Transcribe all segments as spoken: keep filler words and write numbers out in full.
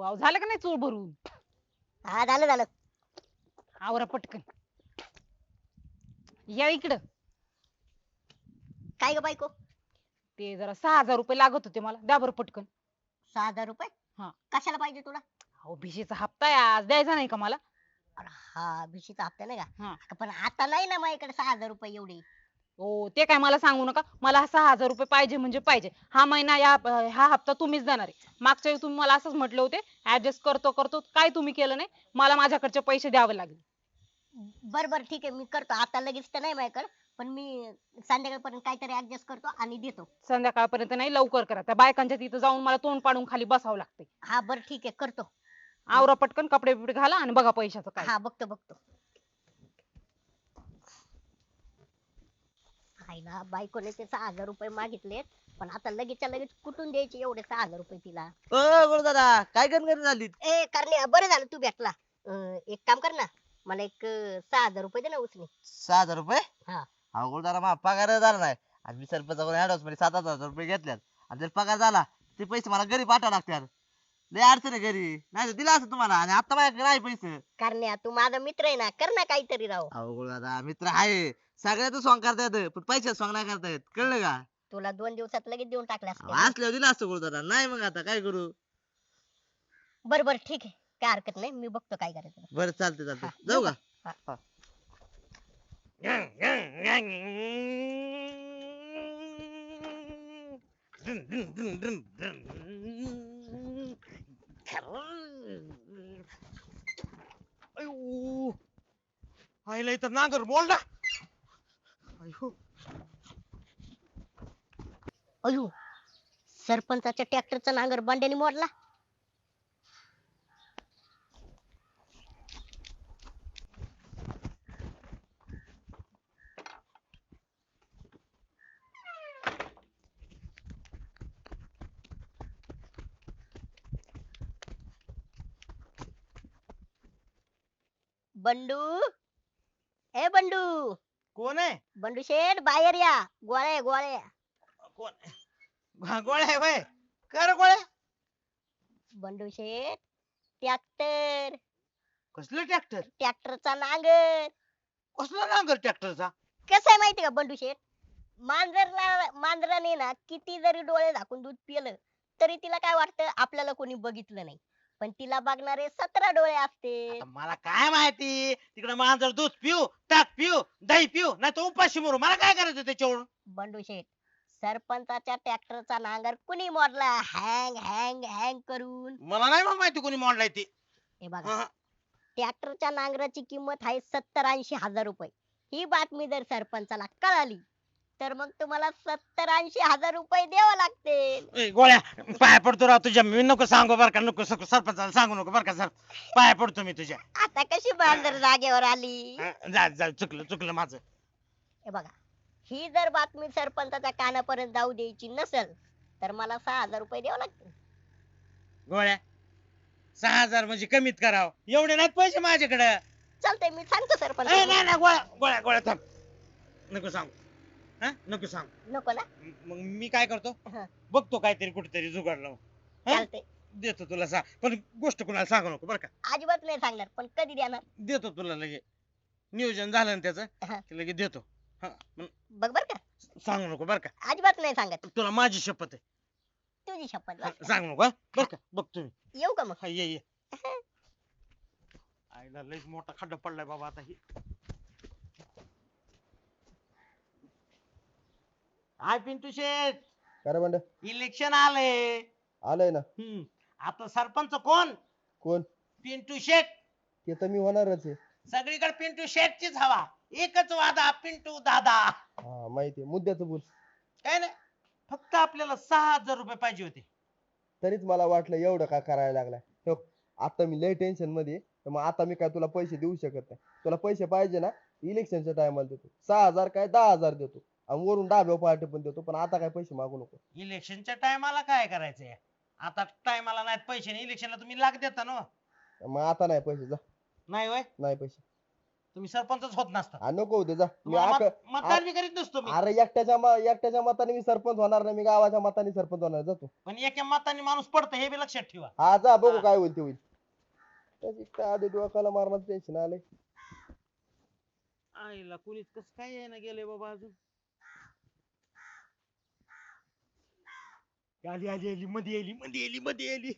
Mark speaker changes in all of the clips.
Speaker 1: अहो झालं का नाही चूळ भरून?
Speaker 2: हा झालं झालं.
Speaker 1: आवरा पटकन. या इकडं.
Speaker 2: काय ग बायको?
Speaker 1: ते जरा सहा हजार रुपये लागत होते मला, द्या बरं पटकन.
Speaker 2: सहा हजार रुपये
Speaker 1: हा.
Speaker 2: कशाला पाहिजे तुला?
Speaker 1: अहो भिशीचा हप्ता आहे आज, द्यायचा नाही का मला?
Speaker 2: अरे हा भिशीचा हप्ता नाही
Speaker 1: हा.
Speaker 2: का? पण आता नाही ना माझ्याकडे सहा हजार रुपये एवढे.
Speaker 1: हो ते काय मला सांगू नका, मला सहा हजार रुपये पाहिजे म्हणजे पाहिजे. हा महिना या हा हप्ता तुम्हीच देणार आहे. मागच्या वेळी तुम्ही मला असंच म्हटले होते, ऍडजस्ट करतो करतो, काय तुम्ही केलं नाही. मला माझ्याकडचे पैसे द्यावे लागले.
Speaker 2: बर बर ठीक आहे, मी करतो. आता लगेच तर नाही माझ्याकडे, पण मी संध्याकाळपर्यंत काहीतरी ऍडजस्ट करतो आणि देतो.
Speaker 1: संध्याकाळपर्यंत नाही, लवकर करा. त्या बायकांच्या तिथं जाऊन मला तोंड पाडून खाली बसावं लागतंय.
Speaker 2: हा बर ठीक आहे करतो.
Speaker 1: आवरा पटकन, कपडे बिपडे घाला आणि बघा पैशाचं काय.
Speaker 2: हा बघतो बघतो. आईला बायकोने ते सहा हजार रुपये मागितलेत, पण आता लगेचच्या लगेच कुठून द्यायचे एवढे सहा हजार रुपये तिला?
Speaker 3: ओ गुरुदादा काय गणगण झाली?
Speaker 2: ए करण्या बरं झालं तू भेटला. अं, एक काम कर ना, मला एक अं, सहा हजार रुपये दे ना उसने.
Speaker 3: सहा हजार रुपये?
Speaker 2: हा.
Speaker 3: अहो गुरुदादा माझा पगार झाला नाही आणि मी सरपंचाकडून ऍडव्हान्स मध्ये सात आठ हजार रुपये घेतल्यात आणि जर पगार झाला ते पैसे मला घरी पाठवावे लागतात. लय अडचण आहे घरी, नाही दिला असं तुम्हाला आणि आता माझ्याकडे नाही पैसे.
Speaker 2: करण्या तू माझा मित्र आहे ना, कर ना काहीतरी राव.
Speaker 3: अहो गुरुदादा मित्र आहे, सगळ्याच सॉंग करता येतं पण पैशात सॉंग नाही करता येत, कळलं का?
Speaker 2: तुला दोन दिवसात लगेच देऊन टाकले
Speaker 3: अहो,
Speaker 2: असते.
Speaker 3: असल्यावर दिला असतं गुरुदादा, नाही मग आता काय करू?
Speaker 2: बर बर ठीक आहे, काय हरकत नाही, मी बघतो काय करायचं.
Speaker 3: बरं चालते
Speaker 2: हा,
Speaker 3: चालते, जाऊ का?
Speaker 2: हा.
Speaker 3: हा.
Speaker 4: अयो आईला इथं नांगर मोडला. अयो
Speaker 2: अयो सरपंचाच्या ट्रॅक्टरचा नांगर बंड्याने मोडला. बंडू, ए बंडू,
Speaker 4: कोण आहे?
Speaker 2: बंडू शेठ बाहेर या. गोळ्या गोळ्या.
Speaker 4: कोण आहे? हा, गोळ्या आहे वय. कर गोळ्या.
Speaker 2: बंडू शेठ ट्रॅक्टर,
Speaker 4: कसलं ट्रॅक्टर?
Speaker 2: ट्रॅक्टरचा नांगर.
Speaker 4: कसला नांगर ट्रॅक्टरचा?
Speaker 2: कसं आहे माहिती का बंडू शेठ, मांजरला मांजराने ना किती जरी डोळे झाकून दूध पिलं तरी तिला काय वाटतं आपल्याला कोणी बघितलं नाही, पण तिला बघणारे सतरा डोळे असते.
Speaker 4: आता मला काय माहिती, तिकडे मांजर दूध पिऊ, ताक पिऊ, दही पिऊ, नाही तर उपाशी मरू, मला काय करायचं त्याच्यावर?
Speaker 2: बंडू शेठ सरपंचाच्या ट्रॅक्टरचा नांगर कुणी मोडला हँग हँग हँग करून?
Speaker 4: मला नाही मग माहिती कोणी मोडलाय ते.
Speaker 2: हे बघा,
Speaker 4: हा,
Speaker 2: ट्रॅक्टरच्या नांगराची किंमत आहे सत्तर ऐंशी हजार रुपये. ही बातमी जर सरपंचाला कळाली तर मग तुम्हाला सत्तर ऐंशी हजार रुपये द्यावे लागतील.
Speaker 4: ए, गोळ्या पाया पडतो राव तुझ्या, मी नको सांगू बर का, नको सर- सरपंचाला सांगू नको बर का सर, पाया पडतो मी तुझ्या.
Speaker 2: आता कशी मांजर जागेवर आली?
Speaker 4: हा, जा जा चुकलं चुकलं माझं.
Speaker 2: हे बघा, ही जर बातमी सरपंचाच्या कानापर्यंत जाऊ द्यायची नसेल तर मला सहा हजार रुपये द्यावे लागतील.
Speaker 4: गोळ्या सहा हजार म्हणजे कमीत करावं, एवढे नाहीत पैसे माझ्याकडे.
Speaker 2: चालतंय, मी सांगतो
Speaker 4: ए,
Speaker 2: सरपंच.
Speaker 4: नाही नाही गोळ्या गोळ्या गोळ्या थांब, नको सांगू. हा नको सांग.
Speaker 2: नको ना?
Speaker 4: मग मी काय करतो,
Speaker 2: हा.
Speaker 4: बघतो काहीतरी कुठेतरी जुगाड लावून, हा?
Speaker 2: चालतंय,
Speaker 4: देतो तुला सांग, पण गोष्ट कुणाला सांगू नको बरं का.
Speaker 2: अजिबात नाही सांगणार, पण कधी देणार?
Speaker 4: देतो तुला लगे, नियोजन झालं ना त्याचं
Speaker 2: हा.
Speaker 4: की लगे देतो. हा पण
Speaker 2: बघ बर का,
Speaker 4: सांगू नको बरं का,
Speaker 2: अजिबात नाही सांगत.
Speaker 4: तुला माझी शपथ आहे.
Speaker 2: तुझी शपथ
Speaker 4: हा,
Speaker 2: बरं का?
Speaker 4: सांगू नको, हा? बरं का, बघतो मी.
Speaker 2: येऊ का मग?
Speaker 4: हा, ये ये. आईला लयच मोठा खड्डा पडलाय बाबा आता ही. हाय पिंटू शेठ,
Speaker 5: काय म्हणत
Speaker 4: इलेक्शन आले.
Speaker 5: आलंय ना.
Speaker 4: हम्म आता सरपंच कोण?
Speaker 5: कोण?
Speaker 4: पिंटू शेठ.
Speaker 5: ते तर मी होणारच आहे.
Speaker 4: सगळीकडे पिंटू शेठचीच हवा, एकच वादा पिंटू दादा.
Speaker 5: हा माहिती आहे, मुद्द्याचं बोल.
Speaker 4: काय नाही, फक्त आपल्याला सहा हजार रुपये पाहिजे होते.
Speaker 5: तरीच मला वाटलं एवढं का करायला लागलाय. हो, आता मी लय टेन्शन मध्ये आहे, तर मग आता मी काय तुला पैसे देऊ शकत नाही. तुला पैसे पाहिजे ना, इलेक्शनच्या टायमाला देतो. सहा हजार काय दहा हजार देतो आणि वरून डाब्याव पार्टी पण देतो, पण आता काय पैसे मागू नको.
Speaker 4: इलेक्शनच्या टायमाला काय करायचंय, आता टायमाला नाहीत पैसे, इलेक्शनला तुम्ही लाग देता ना.
Speaker 5: मग आता नाही पैसे, जा.
Speaker 4: नाही होय,
Speaker 5: नाही पैसे.
Speaker 4: तुम्ही सरपंचच होत नसता
Speaker 5: हा, नको होते जा मी
Speaker 4: मग
Speaker 5: आक-
Speaker 4: मत- मतदान बी करीत नसतो मी
Speaker 5: अरे एकट्याच्या म- एकट्याच्या मताने मी सरपंच होणार नाही, मी गावाच्या मताने सरपंच होणार. जातो.
Speaker 4: पण एका मताने माणूस पडतं हे बी लक्षात ठेवा.
Speaker 5: हा जा बघू
Speaker 4: हा.
Speaker 5: काय होईल ते होईल. त्याची काय आधी डोक्याला मारणार टेन्शन आले.
Speaker 4: आईला कुणीच कस काय यायला गेले बाबा अजून. आली आली आली मध्ये आली मध्ये आली मध्ये आली.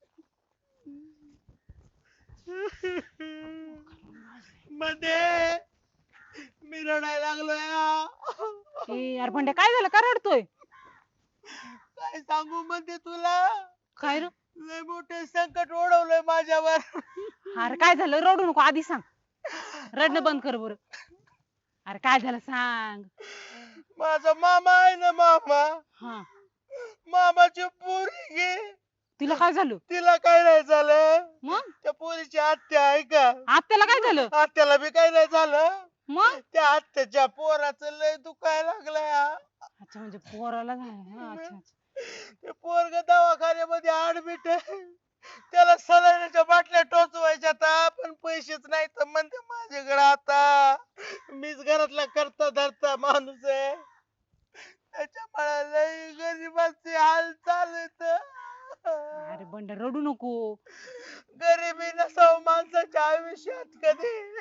Speaker 4: मध्ये मी रडायला लागलोय.
Speaker 1: ए यार बंड्या काय झालं, का रडतोय?
Speaker 4: काय सांगू मध्ये तुला,
Speaker 1: काय रे?
Speaker 4: लय मोठे संकट ओढवलंय माझ्यावर.
Speaker 1: अरे काय झालं, रडू नको, आधी सांग. रडणं बंद कर बरं. अरे काय झालं सांग.
Speaker 4: माझा मामा आहे ना मामा,
Speaker 1: हा,
Speaker 4: मामाची पोरी गे,
Speaker 1: तिला काय झालं
Speaker 4: तिला काय नाही झालं.
Speaker 1: मग?
Speaker 4: त्या पोरीची आत्या आहे का,
Speaker 1: आत्याला काय झालं
Speaker 4: आत्याला बी काय नाही झालं.
Speaker 1: मग?
Speaker 4: त्या आत्याच्या पोराचं लय दुखायला लागलंय.
Speaker 1: अच्छा म्हणजे पोराला झालं. हा, अच्छा अच्छा.
Speaker 4: ते पोरग दवाखान्यामध्ये ऍडमिट आहे. त्याला सलाईनच्या बाटल्या टोचवायच्या आता, पण पैसेच नाही तर म्हणते माझ्याकडे आता. मीच घरातला करता धरता माणूस आहे. त्याच्यामुळे लय गरीबाचे हाल चालत.
Speaker 1: अरे बंड्या रडू नको.
Speaker 4: गरिबी नसाव माणसाच्या आयुष्यात कधी.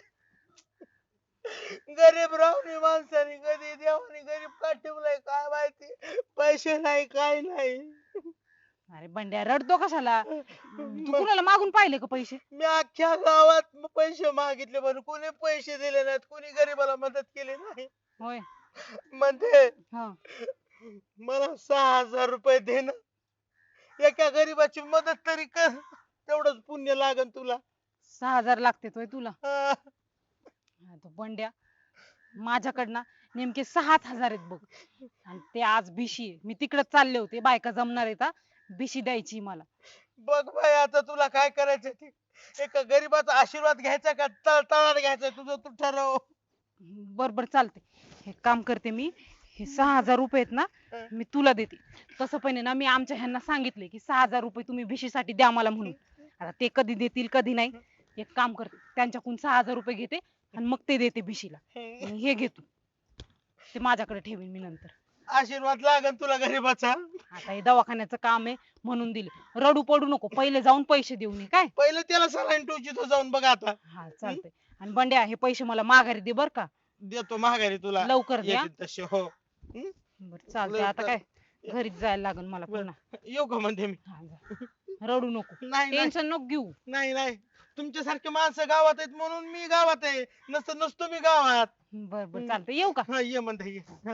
Speaker 4: गरीब राहुनी माणसाने कधी देवाने गरीब का ठेवलाय काय माहिती. पैसे नाही काय नाही.
Speaker 1: अरे बंड्या रडतो कशाला? तू कुणाला मागून पाहिले का पैसे?
Speaker 4: मी अख्ख्या गावात म- पैसे मागितले पण कोणी पैसे दिले नाहीत, कोणी गरीबाला मदत केली नाही.
Speaker 1: होय.
Speaker 4: म्हणते
Speaker 1: हा.
Speaker 4: मला सहा हजार रुपये दे ना, एका गरीबाची मदत तरी कर, तेवढंच पुण्य लागन तुला.
Speaker 1: सहा हजार लागते होय तुला?
Speaker 4: हा.
Speaker 1: हा, तो बंड्या माझ्याकडनं नेमके सात हजार आहेत बघ. आणि ते आज भिशी आहे. मी तिकडे चालले होते, बायका जमणार आहेत हा. भिशी द्यायची मला.
Speaker 4: बघ बाई आता तुला काय करायचं ते. एका गरीबाचा आशीर्वाद घ्यायचा का तळ तळाला घ्यायचा तुझं तू ठरव.
Speaker 1: बर बर चालते. हे काम करते मी, हे सहा हजार रुपये आहेत ना मी तुला देते. तसं पण आहे ना मी आमच्या ह्यांना सांगितले की सहा हजार रुपये तुम्ही भिशीसाठी द्या मला म्हणून. आता ते कधी देतील कधी नाही. एक काम करते, त्यांच्याकडून सहा हजार रुपये घेते आणि मग ते देते भिशीला. आणि हे घे तू, ते माझ्याकडे ठेवीन मी नंतर.
Speaker 4: आशीर्वाद लागन तुला गरीबाचा.
Speaker 1: आता हे दवाखान्याचं काम आहे म्हणून दिले. रडू पडू नको, पहिले जाऊन पैसे देऊन ये काय.
Speaker 4: पहिले त्याला सलाईन टोची तो जाऊन बघ आता.
Speaker 1: हा चालतंय. आणि बंड्या हे पैसे मला माघारी दे बर का.
Speaker 4: देतो महागारी तुला.
Speaker 1: लवकर दे हा.
Speaker 4: येतील तसे हो.
Speaker 1: बरं चालतंय. आता काय घरीच जायला लागेल मला पुन्हा.
Speaker 4: येऊ का म्हणते मी.
Speaker 1: हा, जा. रडू नको,
Speaker 4: नाही नाही
Speaker 1: टेन्शन नको घेऊ.
Speaker 4: नाही नाही तुमच्यासारखे माणसं गावात आहेत म्हणून मी गावात आहे, नसतं नसतो मी गावात.
Speaker 1: बर बर चालतंय. येऊ का?
Speaker 4: हा ये म्हणते ये. हा.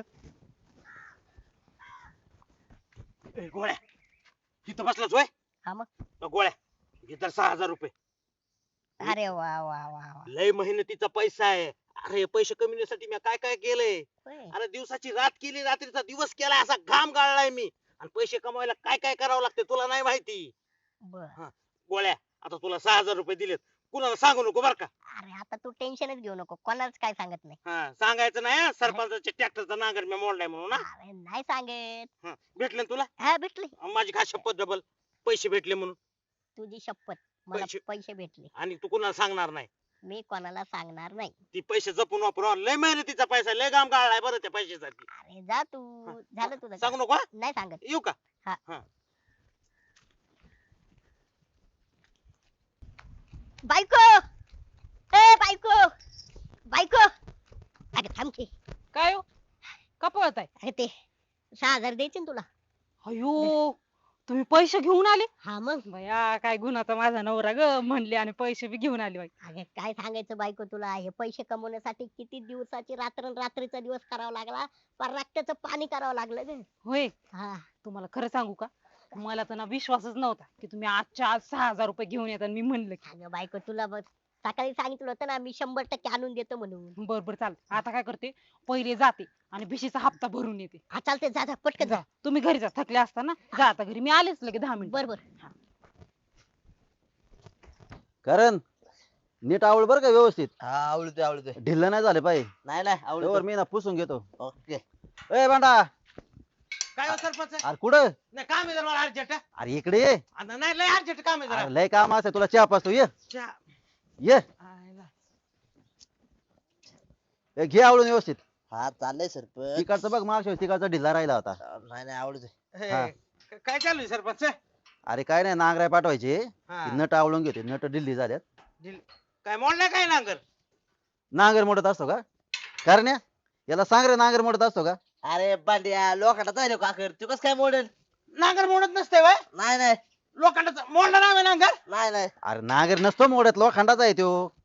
Speaker 4: ए, गोळ्या तिथं बसलाच होय.
Speaker 2: हा मग.
Speaker 4: अ, गोळ्या घे तर सहा हजार रुपये.
Speaker 2: अरे वा वा वा वा.
Speaker 4: लय मेहनतीचा पैसा आहे. अरे पैसे कमविण्यासाठी मी काय काय केलंय.
Speaker 2: होय.
Speaker 4: अरे दिवसाची रात केली, रात्रीचा दिवस केलाय, असा घाम गाळलाय मी. आणि पैसे कमवायला काय काय करावं लागते तुला नाही माहिती.
Speaker 2: बर.
Speaker 4: गोळ्या आता तुला सहा हजार रुपये दिलेत, कुणाला सांगू नको बर का.
Speaker 2: अरे आता तू टेन्शनच घेऊ नको, कोणालाच काय सांगत नाही.
Speaker 4: हा सांगायचं नाही हं, सरपंचाच्या ट्रॅक्टरचा नांगर मी मोडलाय म्हणून ना.
Speaker 2: अरे नाही सांगत.
Speaker 4: हं, भेटले ना तुला.
Speaker 2: हा भेटले.
Speaker 4: माझी खास शपथ डबल पैसे भेटले म्हणून.
Speaker 2: तुझी शपथ मला
Speaker 4: पैसे-
Speaker 2: पैसे भेटले.
Speaker 4: आणि तू कुणाला सांगणार नाही.
Speaker 2: मी कोणाला सांगणार नाही.
Speaker 4: ती पैसे जपून वापरू. लय मेहनतीचा पैसा आहे, लय घाम गाळलाय बरं त्या पैशासाठी.
Speaker 2: अरे जा तू. झालं तुझं
Speaker 4: सांगू
Speaker 2: काम.
Speaker 4: नको हं?
Speaker 2: नाही सांगत.
Speaker 4: येऊ का.
Speaker 2: बायको ए बायको बायको. अरे थांब की.
Speaker 1: काय हो, का पळत आहे?
Speaker 2: अरे ते सहा हजार द्यायचे ना तुला.
Speaker 1: अयो, तुम्ही पैसे घेऊन आले?
Speaker 2: हा मग.
Speaker 1: बया काय गुन्हाचा माझा नवरा ग म्हणले आणि पैसे बी घेऊन आले बाई.
Speaker 2: अरे काय सांगायचं बायको तुला, हे पैसे कमवण्यासाठी किती दिवसाची रात्र रात्रीचा दिवस करावा लागला, पर रक्ताचं पाणी करावं लागलं ग.
Speaker 1: होय.
Speaker 2: हा.
Speaker 1: तुम्हाला खरं सांगू का, मला तर ना विश्वासच नव्हता की तुम्ही आजच्या आज सहा हजार रुपये घेऊन येतात. मी म्हणलं की
Speaker 2: अगं बायको तुला बघ सकाळी सांगितलं होतं ना मी शंभर टक्के आणून देतो म्हणून.
Speaker 1: बर बर चालतं. आता काय करते, पहिले जाते आणि भिशीचा हप्ता भरून येते.
Speaker 2: हा चालते जा जा पटकन जा.
Speaker 1: जा, तुम्ही घरी जा, थकले असताना जा आता घरी. मी आलेच लगे दहा मिनिट.
Speaker 2: बर बर.
Speaker 6: कारण नीट आवड बर का व्यवस्थित,
Speaker 3: हा आवडतोय आवडतोय.
Speaker 6: ढिल्ल नाही झाले पाहिजे.
Speaker 3: नाही नाही
Speaker 6: त्यावर
Speaker 3: आवडतोय.
Speaker 6: मी ना पुसून घेतो.
Speaker 3: ओके.
Speaker 6: ए बांडा,
Speaker 4: काय हो सरपंच.
Speaker 6: अरे कुठं?
Speaker 4: नाही काम आहे जरा मला अर्जंट.
Speaker 6: अरे इकडे ये.
Speaker 4: नाही लय अर्जंट काम आहे जरा.
Speaker 6: अरे लय काम असं तुला चहा पाचतो. ये
Speaker 4: चहा.
Speaker 6: ये.
Speaker 1: आयला.
Speaker 6: ए, घे आवळून व्यवस्थित.
Speaker 3: हा चाललंय सरपंच
Speaker 6: तिकडचं बघ मागच्या वेळेस तिकडचा ढिल्ला राहिला होता.
Speaker 3: नाही नाही आवडत
Speaker 4: हे,
Speaker 6: हा.
Speaker 4: क- काय चालू आहे सरपंच
Speaker 6: अरे काय नाही नांगराय पाठवायचे.
Speaker 4: हा.
Speaker 6: ती नट आवळून घेते नट ढिल्ली झाल्यात.
Speaker 4: दिल- काय मोडलं काय नांगर
Speaker 6: नांगर मोडत असतो का कारण याला सांग रे नांगर मोडत असतो का.
Speaker 3: अरे बांड्या लोखंडात जायलो काकर तू कस काय मोडेल
Speaker 4: नांगर मोडत नसते वय
Speaker 3: नाही नाही
Speaker 4: लोखंडाचा मोडला नाही नांगर
Speaker 3: नाही नाही
Speaker 6: अरे नांगर नसतो मोडत लोखंडाचा आहे तो.